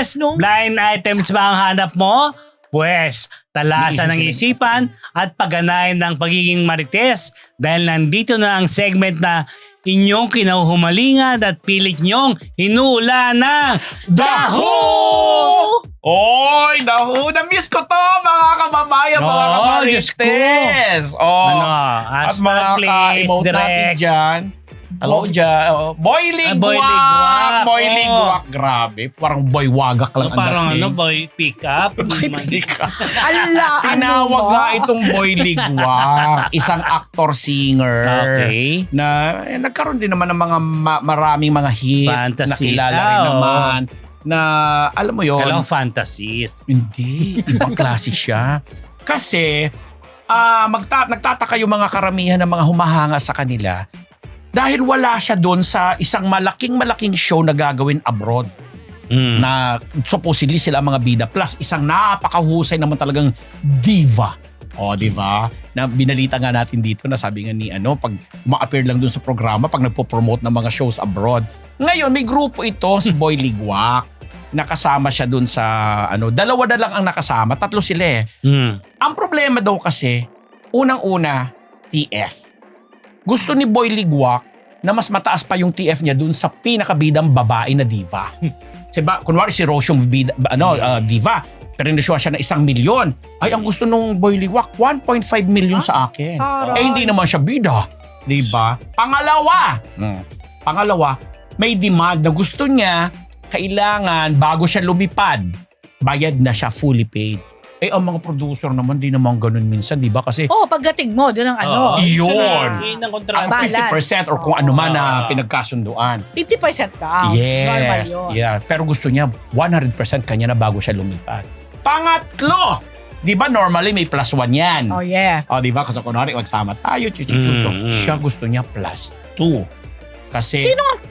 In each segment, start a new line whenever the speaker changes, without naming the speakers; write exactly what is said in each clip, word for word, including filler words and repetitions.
Marites,
No.
blind items ba ang hanap mo? Pwes, talasan ng isipan at pagganahin ng pagiging Marites dahil nandito na ang segment na inyong kinahumalingan at pilit nyong hinuula ng Daho!
Oy, daho! Na-miss ko to, mga kababayan, mga
Oo,
kamarites! Oh,
Ano,
at
hashtag
mga
please,
ka-emote natin
direct.
dyan. Hello dyan. Oh, Boy
Ah, Boy
Ligwak!
Ligwak,
Boy
oo.
Ligwak. Grabe. Parang boy wagak lang
Ano, parang
dating.
ano, boy, pick up?
Hindi ka.
Ala,
Tinawag
ano
nga
ba?
itong Boy Ligwak. Isang actor-singer.
Okay.
Na eh, nagkaroon din naman ng mga ma- maraming mga hit.
Fantasies.
Na kilala rin
Ah, oo.
naman. Na alam mo yon.
Kailangan fantasies.
Hindi. Ibang klase siya. Kasi ah magta- nagtataka yung mga karamihan ng mga humahanga sa kanila dahil wala siya doon sa isang malaking malaking show na gagawin abroad.
Mm.
Na supposedly sila ang mga bida plus isang napakahusay naman talagang diva. O, di ba? Na binalita nga natin dito na sabi nga ni ano, pag ma-appear lang dun sa programa, pag nagpo-promote ng mga shows abroad. Ngayon, may grupo ito, si Boy Ligwak. Nakasama siya dun sa, ano, dalawa na lang ang nakasama, tatlo sila eh.
Mm.
Ang problema daw kasi, unang-una, T F. Gusto ni Boy Ligwak na mas mataas pa yung T F niya dun sa pinakabidang babae na diva. Diba, kunwari si Rose yung bida, ano, uh, diva, pero indosyo siya na isang milyon. Ay, ang gusto nung Boy Ligwak, one point five million sa akin.
Aray.
Eh, hindi naman siya bida. Diba? Pangalawa, hmm. pangalawa, may demand na gusto niya, kailangan bago siya lumipad, bayad na siya fully paid. Eh, ang mga producer naman, di naman ganun minsan, di ba? Kasi
Oh, pagdating mo, doon ang ano.
Oo.
Iyon.
Yun ang
ang
kontrata.
Balance.
fifty percent or kung ano man na
Ah.
pinagkasunduan.
fifty percent down. Normal
Yes.
yun.
Yeah. Pero gusto niya one hundred percent kanya na bago siya lumipad. Pangatlo, di ba normally may plus one yan?
Oh, yes.
O, di ba? Kasi kunwari, magsama tayo, chuchuchucho.
Mm, mm.
Siya gusto niya plus two. Kasi...
Sino?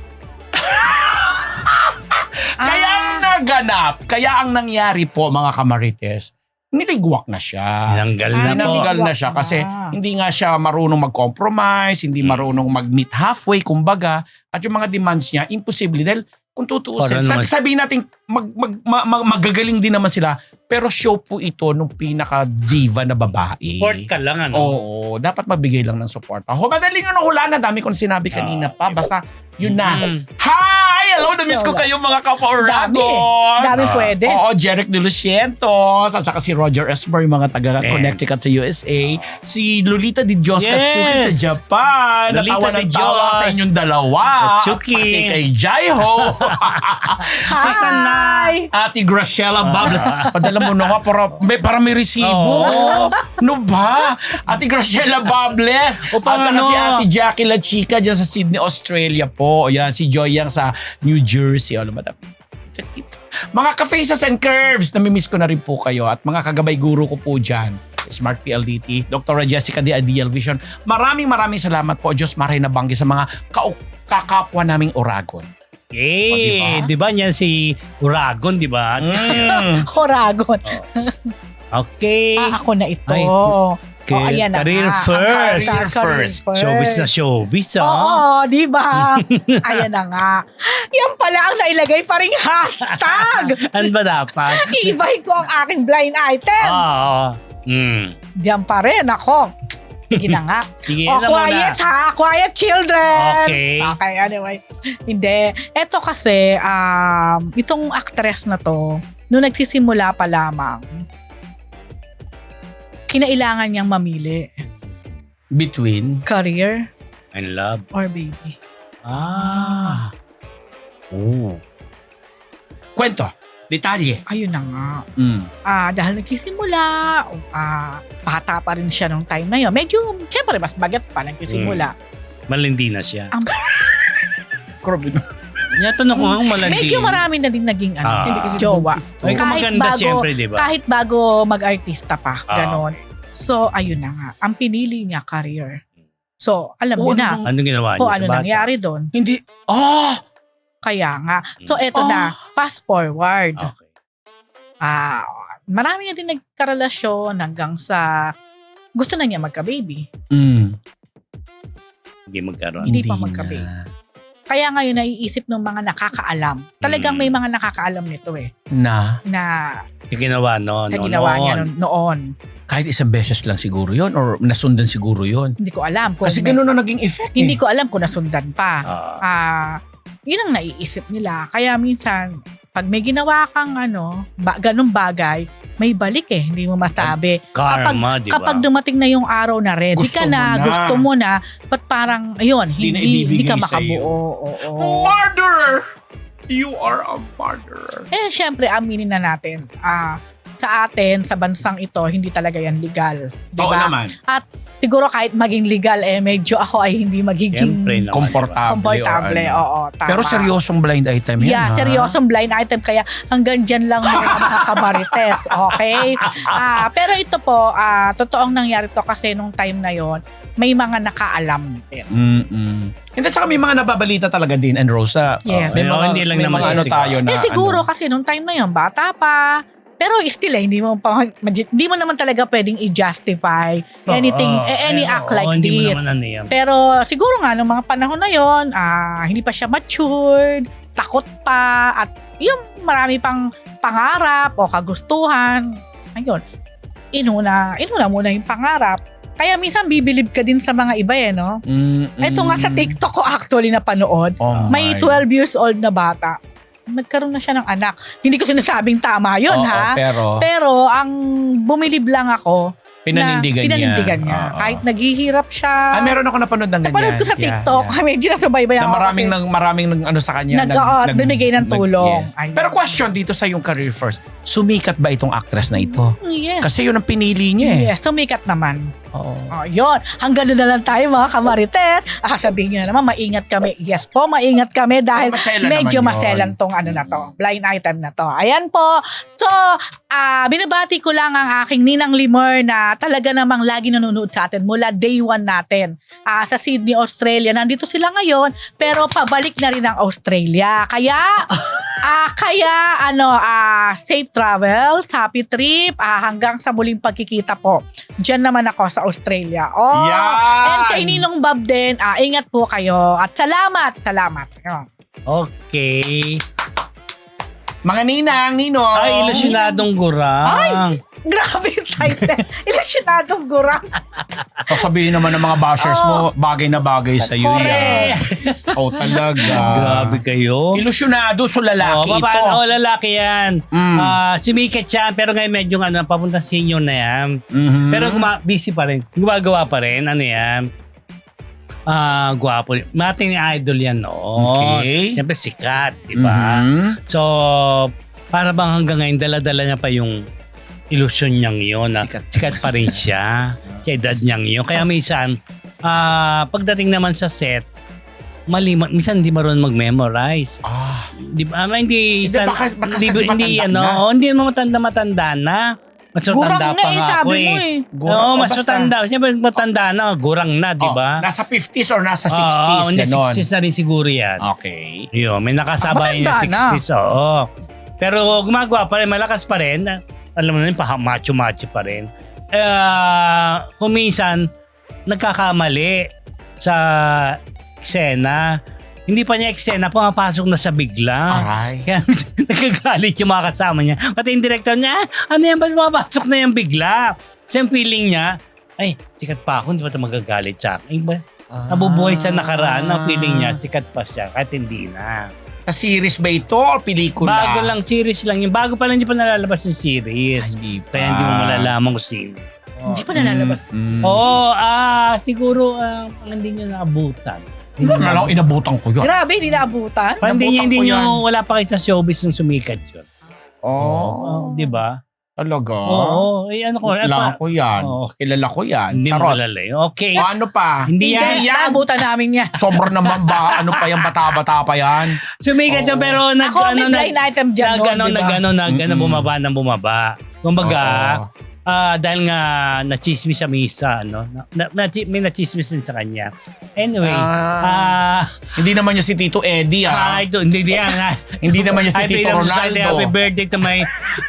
Kaya ang naganap, kaya ang nangyari po, mga kamarites, niligwak na siya.
Tinanggal na
Ah,
po.
Tinanggal na siya kasi
Ah.
hindi nga siya marunong mag-compromise, hindi
Mm.
marunong mag-meet halfway, kumbaga. At yung mga demands niya, imposible. Dahil kung tutuusin,
Parang
sabi,
naman-
sabihin natin, mag, mag, ma- ma- magagaling din naman sila. Pero show po ito nung pinaka-diva na babae.
Support ka lang, ano?
Oo, dapat mabigay lang ng support. Ho, madaling ano, hula na. Dami kong sinabi kanina pa. Basta, yun na.
Mm.
Hi! Hello! Na-miss ko kayo mga
Dami.
kapwa-Oragon!
Dami pwede.
Oo, Jeric De Lucientos, at saka si Roger Esmer, yung mga taga
And-
Connecticut sa U S A. Si Lolita Di Diyos
Yes!
Katsuki sa Japan.
Lolita
Natawa
Di
ng tawa
Diyos.
sa inyong dalawa.
Katsuki.
Pati kay Jaiho.
Hi!
Ate Graciela Bables. Padala mo na nga para may, para may resibo.
Oo.
Ano ba? Ate Graciela Bables.
O,
At
paano?
saka si Ate Jackie La Chica dyan sa Sydney, Australia po. Ayan, si Joy Yang sa New Jersey. Ano ba? Mga ka-faces and curves, namimiss ko na rin po kayo. At mga kagabay guru ko po dyan. Smart P L D T, Doctor Jessica de Ideal Vision. Maraming maraming salamat po. Diyos maray na banggi sa mga ka- kakapwa naming Oragon.
Eh, di ba niyan si Uragon, di ba?
Mm.
Horagon.
Okay.
Ah, ako na ito.
Ay,
oh,
Car-
ayan na
career
nga. Ang
first.
career
Career
first.
Showbiz na showbiz,
Oo,
ah.
di ba? Ayan na nga. Yan pala ang nailagay pa ring hashtag.
Ano ba dapat?
Iibahin ko ang aking blind item.
Oo. Mm.
Diyan pa rin ako. Sige na nga.
Sige
Oh,
na muna.
quiet ha. Quiet children.
Okay.
Okay, anyway. Hindi. Ito kasi, um, itong actress na to, nung nagsisimula pa lamang, kinailangan niyang mamili.
Between?
Career
And love.
or baby.
Ah. Oh.
Kwento. Detalye.
Ayun na nga.
Mm.
Ah, dahil nagsisimula, ah, bata pa rin siya nung time na yun. Medyo, syempre, mas bagat pa nagsisimula.
Malindi na siya.
Ang
Grabe na.
Natanong ko kung malandi.
Medyo marami na din naging ano,
Ah.
hindi kasi jowa.
Ay, kung maganda siyempre, di ba?
Kahit bago mag-artista pa,
Ah.
ganon. So, ayun na nga. Ang pinili niya, career. So, alam
Oh,
niyo na
ano
Anong ginawa niya?
kung
sa
ano
bata?
nangyari doon.
Hindi. Ah!
Kaya nga. So, eto
Oh.
na. Fast forward.
Okay.
Ah, marami na din nagkarelasyon hanggang sa gusto na niya magka-baby.
Mm.
Hindi magkaroon.
Hindi pa magkape.
na.
Kaya ngayon naiisip ng mga nakakaalam. Talagang
Mm.
may mga nakakaalam nito eh.
Na
Na,
Yung ginawa no,
na
no,
ginawa niya
noon.
noon. noon.
kahit isang beses lang siguro yon or nasundan siguro yon.
Hindi ko alam. Kung
Kasi
may-
ganun na naging effect
Hindi
eh.
ko alam kung nasundan pa.
Ah.
Ah, yun ang naiisip nila. Kaya minsan, pag may ginawa kang ano, ba, ganung bagay, may balik eh. Hindi mo masabi.
Karma, di ba?
Kapag dumating na yung araw na ready
Gusto
ka
mo
na,
na.
gusto mo na, ba't parang, ayun,
Hindi na
hindi, hindi
ibibigay
ka
sa'yo.
makabuo. Oo.
Murderer! You are a murderer.
Eh, syempre, aminin na natin, ah, sa atin, sa bansang ito, hindi talaga yan legal. Di
Oo
ba?
naman.
At siguro kahit maging legal, eh, medyo ako ay hindi magiging
Siyempre naman,
Komportable.
komportable.
or ano.
Oo, tama.
Pero seryosong blind item yan,
Yeah,
ha?
seryosong blind item. Kaya hanggang dyan lang muna mga kamarites. Okay? Ah, pero ito po, ah, totoong nangyari to kasi nung time na yon may mga nakaalam din.
Mm-mm. And then saka may mga nababalita talaga din, and Rosa.
Yes.
May
Oo,
mga,
hindi lang
may
naman
mga
siya
ano
siguro.
tayo na
eh siguro
ano.
kasi nung time na yon bata pa. Pero still eh, hindi mo pa, hindi mo naman talaga pwedeng i-justify anything,
Oo,
eh, any
eh,
act
oo,
like
hindi mo
this.
naman ano yan.
Pero siguro nga, nung mga panahon na yon, ah, hindi pa siya matured, takot pa, at yung marami pang pangarap o kagustuhan. Ayun, inuna, inuna muna yung pangarap. Kaya minsan bibilib ka din sa mga iba eh, no?
Mm-mm.
Ito nga sa TikTok ko actually napanood,
Oh
may
my.
twelve years old na bata. Nagkaroon na siya ng anak. Hindi ko sinasabing tama yun,
Oo,
ha?
Pero,
Pero ang bumilib lang ako,
pinanindigan
na,
niya.
pinanindigan niya.
Oo.
Kahit naghihirap siya.
Ah, meron ako napanood ng ganyan.
Napanood ko sa
Yeah,
TikTok.
yeah.
Medyo nasubaybay
Na
ako
maraming
kasi
nang maraming nang ano sa kanya.
nag, oo, binigay ng
nag-
tulong.
yes.
Ayun.
Pero question dito sa yung career first. Sumikat ba itong actress na ito?
Yes.
Kasi yun ang pinili niya eh.
Yes, sumikat naman.
Oo.
Oh, yun. Hanggang doon na lang tayo mga kamaritet. Ah, sabihin nyo na naman, maingat kami. Yes po, maingat kami dahil
Oh, maselan
medyo
naman yun.
maselan tong ano na to. Blind item na to. Ayan po. So, ah binabati ko lang ang aking Ninang Limor na talaga namang lagi nanonood sa atin mula day one natin. Ah, sa Sydney, Australia. Nandito sila ngayon, pero pabalik na rin ang Australia. Kaya, ah kaya, ano, ah safe travels, happy trip, ah, hanggang sa muling pagkikita po. Diyan naman ako sa Australia. Oh,
Yan!
and kay Ninong Bob din, ah, ingat po kayo. At salamat, salamat. Ayun.
Okay.
Mga ninang, ninong.
Ay, ilusyonadong gurang.
Grabe yung title. Ilusyonadong gurang.
Sasabihin naman ng mga bashers mo, bagay na bagay sa iyo yan.
Correct.
Oh, talaga.
Grabe kayo.
Ilusyonado, so lalaki
oh,
ito.
paano? Oh, lalaki yan.
Mm.
Ah, sumikat siya, pero ngayon medyo ano, papunta senior na yan.
Mhm.
Pero guma- busy pa rin. Gumagawa pa rin. Ano yan? Ah, gwapo. Mating idol yan, no?
Okay.
Siyempre sikat, di ba?
Mhm.
So, para bang hanggang ngayon, dala-dala niya pa yung ilusyon niyang yun. Na
Sikat.
sikat pa rin siya. Sa edad niyang yun. Kaya minsan, ah, pagdating naman sa set, mali, ma- minsan hindi marunong mag-memorize.
Ah.
Di ba? Ah, hindi,
Hindi,
san,
baka- baka
hindi,
kasi
hindi,
matanda
ano,
na.
oh, hindi mo matanda-matanda na. Mas
Gurang
matanda
na
pa
eh,
nga
sabi
ako
mo
eh.
eh.
Gurang.
Oo,
Oh,
mas
basta-
matanda. Siyempre matanda na, gurang na, di ba?
Oh, nasa fifties or nasa
Oo,
sixties,
hindi,
ganon.
sixties na rin siguro yan.
Okay.
Yun, may nakasabay niya
Ah, matanda na.
sixties, oo. Pero gumagawa pa rin, malakas pa rin. Alam mo na yun, pa macho-macho pa rin. Uh, kung minsan, nagkakamali sa eksena. Hindi pa niya eksena, pumapasok na sa bigla.
Aray.
Kaya nagkagalit yung mga kasama niya. Pati yung director niya, ah, ano yan, ba't pumapasok na yung bigla? Kasi yung feeling niya, ay, sikat pa ako, hindi pa ito magagalit sa akin. Ay, ba? Nabubuhay sa nakaraan, ang feeling niya, sikat pa siya, kahit hindi na.
Sa series ba ito o pelikula?
Bago lang, series lang yun. Bago pa lang, hindi pa nalalabas yung series.
Hindi pa.
Kaya hindi mo malalaman kung sino.
Hindi pa nalalabas.
Mm.
Oo, ah, siguro, ah, hindi nyo naabutan. Hindi nyo
Alam, inabutan ko yun.
Grabe, hindi naabutan.
Parang hindi,
Nabutan
hindi
ko
nyo,
yan.
wala pa kayo sa showbiz nung sumikat yun.
Oh.
Di ba?
Talaga?
Oo, eh, ano ko, eh,
Kilala
pa-
ko yan.
Oo.
Kilala ko yan.
Hindi mo
Charot.
malala yun. Okay.
O, ano pa?
Hindi yan.
Hindi, naabutan namin yan.
Sobrang naman ba? Ano pa yan? Bata-bata pa yan?
Sumikat yun,
Oo.
pero nag,
Ako, may
ano,
blind item dyan
nag,
noon,
ano,
di ba?
nag, ano, nag, ano,
Mm-mm.
bumaba ng bumaba. Kumbaga,
Oo.
ah dahil nga nachismis sa misa, ano, na, na, na, may nachismis din sa kanya. Anyway,
Ah.
ah,
Hindi naman niya si Tito Eddie, ha?
ay, do, hindi diyan nga.
Hindi naman niya si
Happy
Tito
Society,
Ronaldo.
Happy birthday to my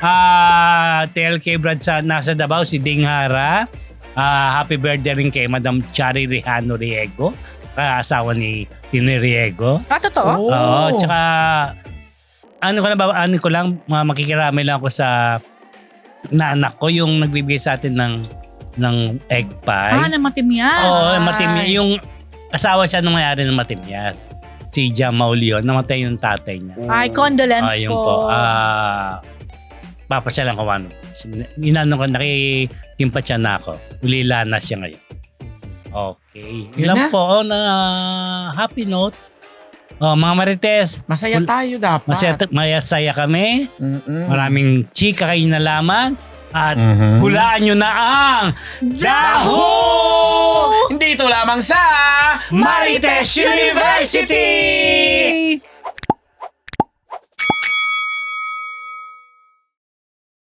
ah T L K Brad sa nasa Davao, si Ding Hara. Ah, happy birthday rin kay Madam Chari Rihano Riego. kaasawa ni Tinoy Riego.
Ah, totoo?
Oh.
Oo, tsaka ano ko na ba, ano ko lang, ma- makikiramay lang ako sa na anak ko yung nagbibigay sa atin ng ng egg pie.
Ah, na matimyas.
Oo,
Ay.
matimyas. Yung asawa siya nung mayari ng matimyas. Si Jamal Leon, namatay yung tatay niya.
Ay, condolence
Ah, yun
po.
po. Ah, papasyalan ko ano. Inano ko, nakikimpat siya na ako. Ulila na siya ngayon. Okay.
Yun
Yun lang
na.
po, oh, na happy note. Oh, mga Marites,
Masaya
Wal-
tayo dapat.
masaya, masaya kami.
Mm-mm.
Maraming chika kayo nalaman. At
Mhm.
hulaan nyo na ang Daho!
Dito lamang sa
Marites University!